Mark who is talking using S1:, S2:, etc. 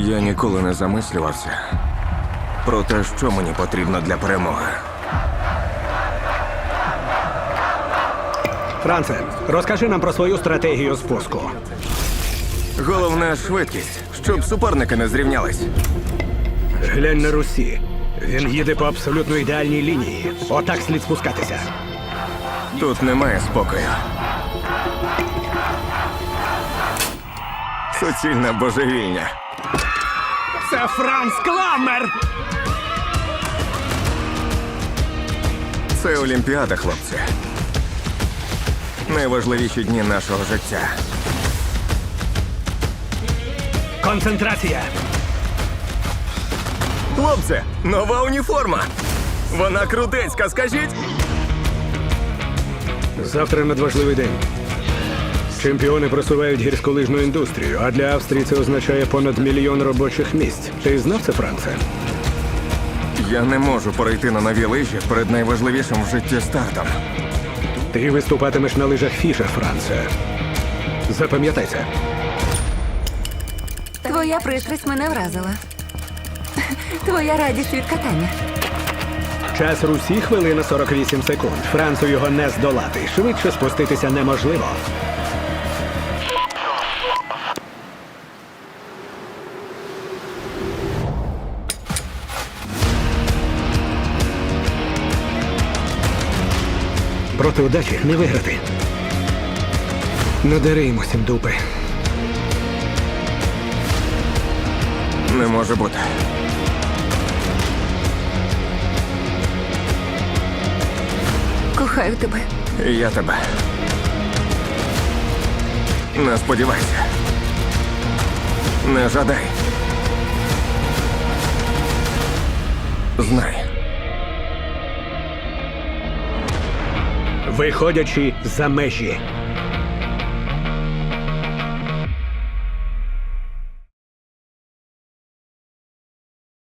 S1: Я ніколи не замислювався про те, що мені потрібно для перемоги.
S2: Франце, розкажи нам про свою стратегію спуску.
S1: Головне – швидкість, щоб суперники не зрівнялись.
S2: Глянь на Русі. Він їде по абсолютно ідеальній лінії. Отак слід спускатися.
S1: Тут немає спокою. Суцільна божевільня.
S2: Це Франц Кламмер!
S1: Це Олімпіада, хлопці. Найважливіші дні нашого життя.
S2: Концентрація!
S1: Хлопці, нова уніформа! Вона крутецька, скажіть!
S2: Завтра надважливий день. Чемпіони просувають гірськолижну індустрію, а для Австрії це означає понад 1 мільйон робочих місць. Ти знав це, Франце?
S1: Я не можу перейти на нові лижі перед найважливішим в житті стартом.
S2: Ти виступатимеш на лижах Фіша, Франце. Запам'ятай це.
S3: Твоя пристрасть мене вразила. Твоя радість від катання.
S2: Час Русі – хвилина 48 секунд. Францу його не здолати. Швидше спуститися неможливо. Проти удачі не виграти. Надари йому сім дупи.
S1: Не може бути.
S3: Кохаю тебе.
S1: І я тебе. Не сподівайся. Не жадай. Знай.
S2: Виходячи за межі.